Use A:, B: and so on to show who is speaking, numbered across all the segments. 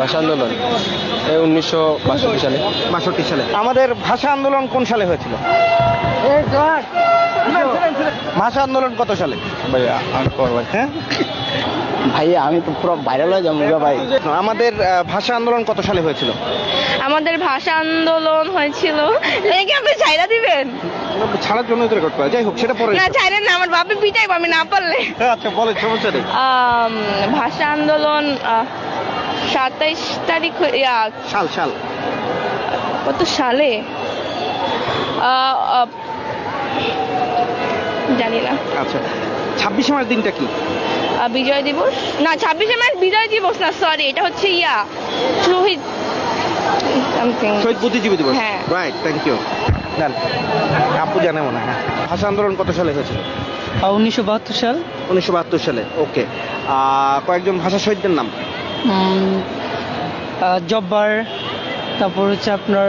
A: ভাষা আন্দোলন 1962 সালে।
B: 62 সালে। আমাদের ভাষা আন্দোলন কোন সালে হয়েছিল? ভাষা আন্দোলন কত সালে?
A: ভাইয়া আমি করবো।
B: হ্যাঁ
A: ভাইয়া আমি তো পুরো ভাইরাল হয়ে যাবো ভাই।
B: আমাদের ভাষা আন্দোলন কত সালে হয়েছিল?
C: আমাদের ভাষা আন্দোলন হয়েছিল, লেগে আপনি ছাইরা দিবেন
B: ছাড়ার জন্য তো রেকর্ড করা, যাই হোক সেটা পরে।
C: না, ছাইরেন না, আমার বাপে পিটাইবো আমি না পারলে।
B: আচ্ছা বলেন, সমস্যা নেই।
C: ভাষা আন্দোলন 27 তারিখ
B: সাল সাল
C: কত সালে জানি না।
B: আচ্ছা 26 মার্চ দিনটা কি?
C: বিজয় দিবস না, 26শে মার্চ বিজয় দিবস না, সরি, এটা হচ্ছে শহীদ সামথিং,
B: শহীদ বুদ্ধিজীবী দিবস।
C: হ্যাঁ।
B: Right, thank you. জান আপু জানে মনে হয়। ভাষা আন্দোলন কত সালে হয়েছিল?
D: 1972 সাল।
B: 1972 সালে। ওকে, কয়েকজন ভাষা শহীদদের নাম?
D: জব্বার, তারপর হচ্ছে আপনার,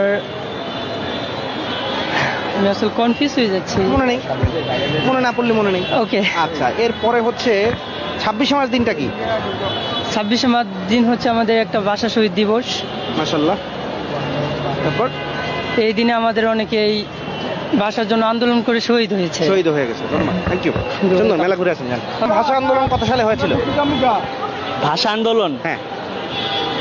D: আমি আসলে কনফিউজ হয়ে যাচ্ছি।
B: মনে নেই, মনে না পড়লে মনে নেই।
D: ওকে,
B: আচ্ছা এরপরে হচ্ছে 26 মার্চ দিনটা কি?
D: 26শে মার্চ দিন হচ্ছে আমাদের একটা ভাষা শহীদ দিবস।
B: মাশাআল্লাহ। তারপর
D: এই দিনে আমাদের অনেকেই ভাষার জন্য আন্দোলন করে শহীদ হয়েছে।
B: শহীদ হয়ে গেছে। ধন্যবাদ, থ্যাংক ইউ। সুন্দর, মেলা ঘুরে আসেন। জান ভাষা আন্দোলন কত সালে হয়েছিল?
A: ভাষা আন্দোলন
B: হ্যাঁ